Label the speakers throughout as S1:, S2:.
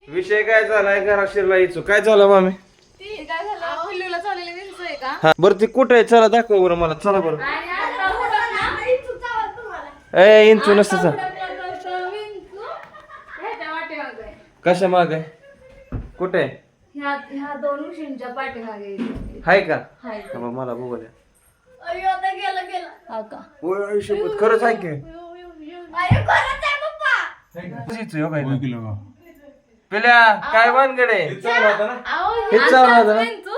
S1: विषय काय झालाय घरात शिरला इचू काय झालं मामी
S2: ते काय झालं पिल्लूला चाललेलं विंचू आहे का
S1: हा बरं ती कुठे आहे चला दाखव बरं मला चला बरं ए इंचू नसतं चल कशा माग आहे कुठे आहे?
S2: ह्या दोन उशींच्या पाठीमागे
S1: हाय का
S2: हाय
S1: हा, मग मला बघू द्या
S2: हा का
S1: होय आयुष्यभर खरंच आहे की इचू, हो काय ना? पिल्या काय भानगड आहे हेच चालू होतं ना हेच चालू होतं ना हेच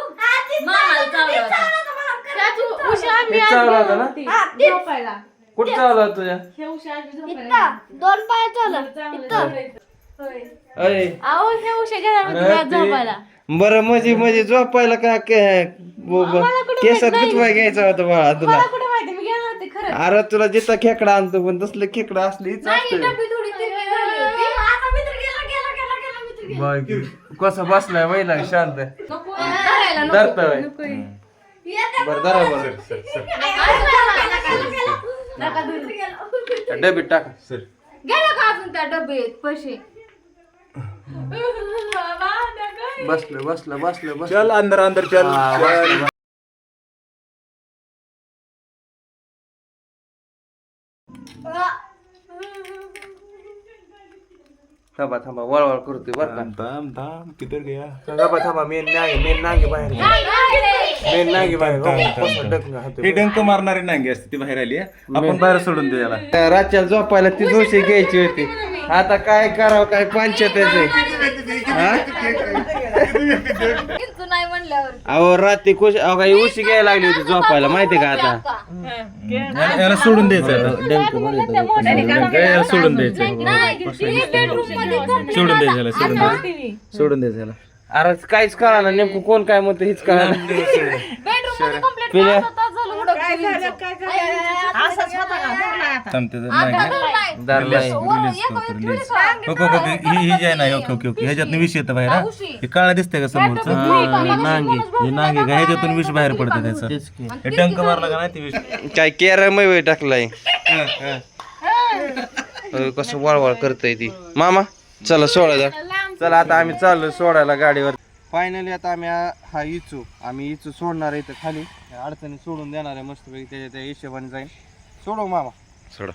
S1: चालू होतं ना कुठं चालू होतं तुझ्या
S2: दोन पाय चालू
S1: अय
S2: अहो हे उशा घ्या झोपायला
S1: बरं म्हणजे झोपायला का केसात गुतवाय घ्यायचा होता बाळा तुला
S2: मला कुठे माहिती मी गेलो होते खरं
S1: अरे तुला जिथं खेकडा आणतो पण तसलं खेकडा असलीच
S2: नाही डब्बी थोडी तिरकी झाली होती आता मित्र गेला
S1: कसा बसलाय महिला शांत
S2: नको धरायला
S1: धरतोय.
S2: नको
S1: बरं धरा बरं
S2: नका धरू
S1: डबीत टाका सर
S2: गेलो का अजून त्या डब्यात पैसे
S1: बसलं
S3: चल अंदर अंदर चल चल.
S1: थांबा वळवळ करतोय बरं का
S3: थांब थांब किधर गया
S1: थांबा मेन नांगे बाहेर मेन नांगे बाहेर हो, कसं डंक हाते.
S3: हे डंक मारणारी नांगी असते ती बाहेर आली आहे. आपण बाहेर सोडून दे याला
S1: रातच्या झोपायला ती जोशी घ्यायची होती आता काय करावं काय पंचायत
S2: तू नाही म्हणल्यावर
S1: अहो रात्री खुश अहो काही उशी घ्यायला लागली होती झोपायला माहितीये का आता
S3: याला सोडून द्यायचं याला सोडून द्यायचं सोडून द्यायचं याला सोडून द्यायचं याला
S1: अरे काहीच कळा ना नेमकं कोण काय म्हणतं हीच कळा ना पिल्या
S3: ही जी आहे ना ओके ओके ह्याच्यातून विष येतं बाहेर हा? हे काळा दिसतंय का समोरचं हे नांगे का ह्याच्यातून विष बाहेर पडतं त्याचं हे डंक मारला का नाही ते विष
S1: काय केरमय टाकलाय कसं वळवळ करतय ती मामा चला सोडा चला आता आम्ही चाललो सोडायला गाडीवर फायनली आता आम्ही हा आम्ही इचू सोडणार आहे इथं खाली अडचणी सोडून देणार आहे मस्तपैकी त्याच्या त्या हिशोबाने जाईल सोडव मामा
S3: सोडा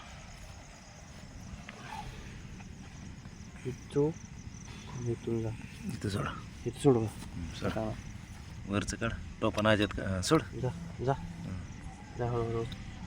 S1: इचू इथून जा
S3: इथं सोडा
S1: इथं सोडव
S3: सोडा वरचं काढ टोपण आजत का सोड
S1: जा जा जा हळूहळू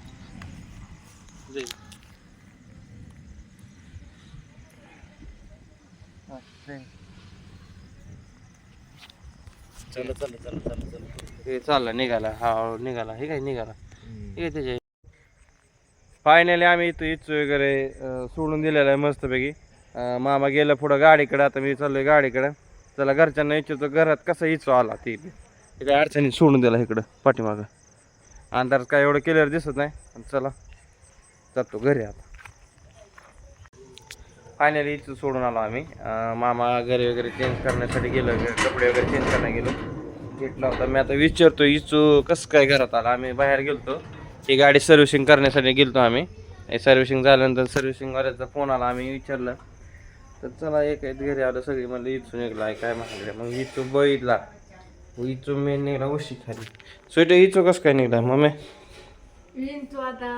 S3: चला चला चला चला चला
S1: हे चालला निघाला हा निघाला हे काय निघाला हे काय त्याच्या फायनली आम्ही इथं इचू वगैरे सोडून दिलेलं आहे मस्तपैकी मामा गेलं पुढं गाडीकडे आता मी चाललोय गाडीकडे चला घरच्यांना इच्छितो घरात कसं इचू आला ती काय अडचणी सोडून दिला इकडं पाठीमागं अंधारात काय एवढं क्लिअर दिसत नाही चला जातो घरी आता फायनली इथं सोडून आलो आम्ही मामा घरी वगैरे चेंज करण्यासाठी गेलो कपडे वगैरे चेंज करायला गेलो घेतला होता मी आता विचारतो इचू कसं काय घरात आला आम्ही बाहेर गेलतो ही गाडी सर्व्हिसिंग करण्यासाठी गेलतो आम्ही सर्व्हिसिंग झाल्यानंतर सर्व्हिसिंगवाल्याचा फोन आला आम्ही विचारलं तर चला एक घरी आलं सगळी म्हणलं इचू निघला आहे काय म्हणाले मग इचू बघितला इचू मेन निघला उशी खाली स्वेटर इचू कसं काय निघला मम्मी
S2: तू आता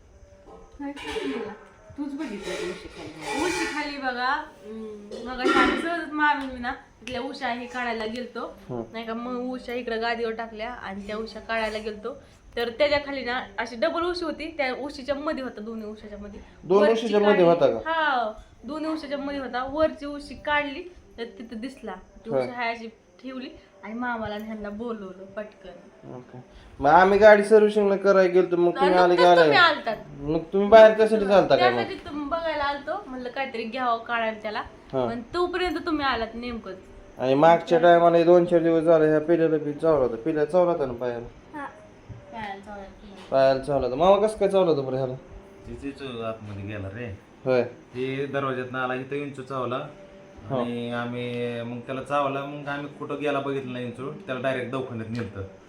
S2: तूच बघितलं उशी खाली बघा मग सहज मामी ना तिथल्या उषा हे काढायला गेलतो नाही का मग उषा इकडे गादीवर टाकल्या आणि त्या उषा काढायला गेलतो तर त्याच्या खाली ना अशी डबल उशी होती त्या उशीच्या मध्ये होता दोन्ही उशाच्या मध्ये
S1: दोन उशीच्या मध्ये होता का
S2: हा दोन्ही उशाच्या मध्ये होता वरची उशी काढली तर तिथं दिसला ती उशी हाय अशी ठेवली आणि मामाला ह्यांना बोलवलं पटकन
S1: मग आम्ही गाडी सर्व्हिसिंगला करायला गेलो मग तुम्ही आले की मग तुम्ही बाहेर त्यासाठी चालता काय मग
S2: त्यासाठी तुम्ही बघायला आलतो म्हणलं काहीतरी घ्यावं काढायला त्याला पण तोपर्यंत तुम्ही आलात नेमकंच
S1: आणि मागच्या टायमाला 2-4 दिवस झाले ह्या पिल्याला बी चावला होता पिल्या चावला होता ना पायाला चावला होता मामा कसं काय चावला होता बरं ह्याला
S3: तिथेच आतमध्ये गेला रे
S1: होय
S3: ते दरवाज्यात आला इथं इंचू चावला आणि आम्ही मग त्याला चावला मग आम्ही कुठं गेला बघितलं नाही इंचू त्याला डायरेक्ट दवाखान्यात नेलतं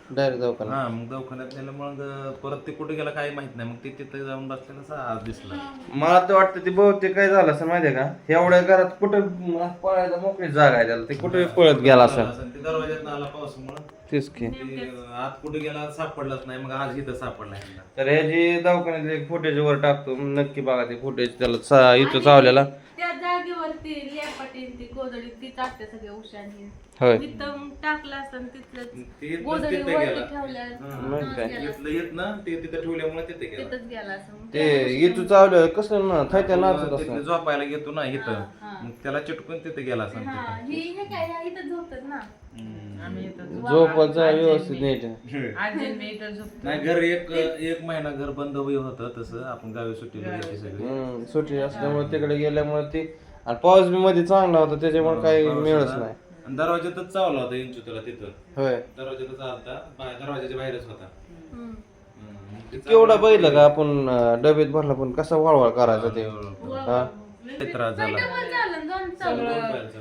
S1: डायरेक्ट दवाखाना.
S3: हा मग दवाखान्यात नेलं मग परत ते कुठे गेला काही माहित नाही मग ते तिथे जाऊन बसलेलं आज दिसला.
S1: मला तर वाटतं ते बहुतेक काय झालं असं माहितीये का, एवढ्या घरात कुठं पळायला मोकळी जागा आहे त्याला, ते कुठे पळत गेला असं.
S3: ते दरवाज्यात आला पावसामुळे
S1: तेच की.
S3: आत कुठे गेला सापडलाच नाही, मग आज इथं सापडलाय.
S1: तर हे जे दवाखान्यातले फुटेज वर टाकतो नक्की बघा ते फुटेज, त्याला इथं चावलेला.
S2: त्या जागेवरती लेपाटी ती गोधडी ती टाकते सगळे उशांनी.
S1: होय.
S2: इथं टाकलं असतं तिथलं
S3: ते
S2: गोधडी
S3: तिथं
S2: वरती
S3: गेला.
S2: ठेवल्या
S1: मग काय.
S3: इथलं येत ना ते तिथं ठेवल्यामुळे तिथे गेला.
S2: तिथंच गेला असं.
S1: ते इथं चावलं कसं ना थायत्या नाचत
S3: तिथलं
S1: असं.
S3: झोपायला घेतो ना इथं, मग त्याला चिटकून तिथे गेला असं.
S2: हा ही हे काय ह्या इथं झोपतात ना.
S1: झोपायचा व्यवस्थित नीट.
S3: नाही घर एक महिना घर बंद होतं तसं, आपण गावी सुट्टीला गेली सगळी.
S1: सुट्टी असल्यामुळे तिकडे गेल्यामुळे ती, आणि पाऊस बी मध्ये चांगला होता त्याच्यामुळे काही मिळच नाही.
S3: आणि दरवाज्यातच चावला होता इंचू त्याला तिथं.
S1: होय.
S3: दरवाज्यातच आलता, दरवाजाच्या बाहेरच होता.
S1: केवढा बैल का आपण डबेत भरला पण कसा वळवळ करायचा ते. हा.
S3: त्रास झाला.
S2: डबल झालं दोन चालू.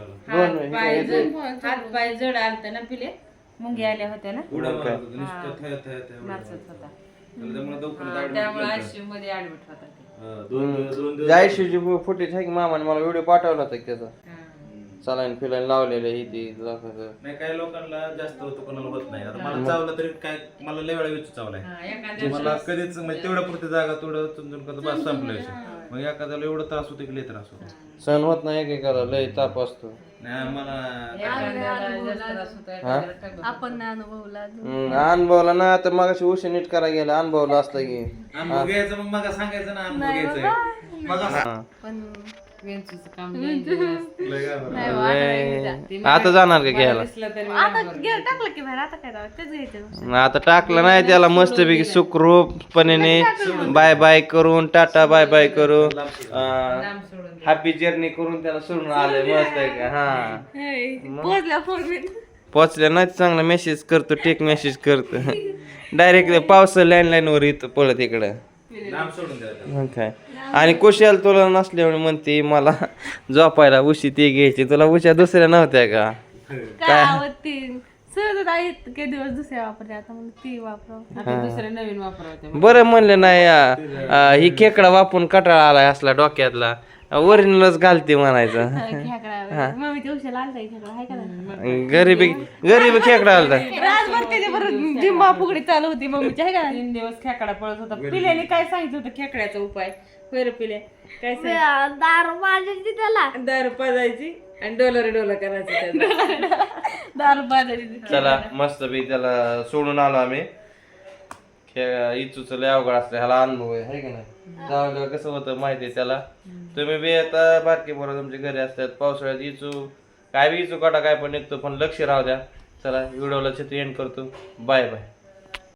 S4: हात पाय जड आलत ना पिले, मुंगी आल्या होत्या ना,
S3: उड्या मारत होता, नुसतं थया
S4: नाचत होता.
S3: त्यामुळे दवाखान्यात
S4: त्यामुळे
S3: admit
S4: आयसीयू मध्ये ऍडमिट होता ते.
S3: केलं. दोन दिवस
S1: जायशीची फुटेज आहे की मामाने मला व्हिडिओ पाठवला होता की त्याचा. सलाईन फिलाईन लावलेलं ही ती दाखवलं.
S3: नाही काही लोकांना जास्त होतं, कोणाला होत नाही. आता मला चावलं तरी काय, मला लय वेळा विचार चावलाय. मला कधीच म्हणजे तेवढ्या पुरती जागा तेवढं चुंजून करतो बस संपलं विषय. मग एखाद्याला एवढं त्रास होतो की लय त्रास होतो.
S1: सण होत नाही एकेकाला, लय ताप असतो.
S3: नाही मला
S2: आपण नाही अनुभवला अजून.
S1: अनुभवला ना आता मगाशी उशी नीट करा गेला, अनुभवला असतं की.
S3: अनुभव घ्यायचा, मग मला सांगायचं ना अनुभव घ्यायचंय.
S1: हा.
S2: पण
S4: वेंचूचं काम लय असतं.
S3: लय घाबरलं.
S2: नाही हो, आता नाही घ्यायचं.
S1: आता जाणार का घ्यायला?
S4: दिसलं तरी
S2: आता गेलं टाकलं की बाहेर, आता काय राव, तेच घ्यायचं.
S1: आता टाकलं नाही त्याला, मस्तपैकी सुखरूपपणे बाय बाय करून, टाटा बाय बाय करून,
S4: लांब सोडून
S1: हॅपी जर्नी करून त्याला सोडून आलंय. मस्त आहे का. हा.
S2: पोहोचल्या फोन मी.
S1: पोचल्या नाही चांगला मेसेज करतो, टेक मेसेज करतो. डायरेक्ट पावसा लँडलाईन वर येतो पळत इकडं.
S3: लांब सोडून द्यायचं.
S1: मग काय. आणि कुशाल तुला नसल्यामुळे म्हणते मला झोपायला उशी ती घ्यायची, तुला उशा दुसऱ्या नव्हत्या का?
S2: काय आवडती सहज आहेत काही दिवस दुसऱ्या वापरते, आता मग ती वापरावं.
S4: आता दुसरे नवीन वापरवते.
S1: बरं म्हणले नाही ही खेकडा वापरून कटाळा आलाय असला डोक्यातला, ओरिजिनलच घालते म्हणायचं.
S2: खेकडा मम्मी ते उशाला आलता खेकडा आहे का नाही?
S1: गरीबी खेकडा आलता.
S2: रातभर त्याच्या बरोबर जिंबा फुगडी चालू होती मम्मीची आहे का नाही?
S4: 3 दिवस खेकडा पळत होता. पिल्याने काय सांगितलं होतं खेकड्याचा उपाय? होय पिले काय सांगितलं?
S2: दारू पाजायची त्याला,
S4: दारू पाजायची आणि डोलर करायचं त्याचं.
S2: दारू पाजायची.
S1: चला मस्त त्याला सोडून आलो आम्ही. इचूच लय अवघड असलं, ह्याला अनुभव आहे का नाही. जाऊ कसं होतं माहिती आहे त्याला. तुम्ही बी आता बारकी बरोबर तुमच्या घरी असतात, पावसाळ्यात इचू काय बी इचू काटा काय पण निघतो, पण लक्ष राहू द्या. चला व्हिडिओला चित्र एंड करतो. Bye bye.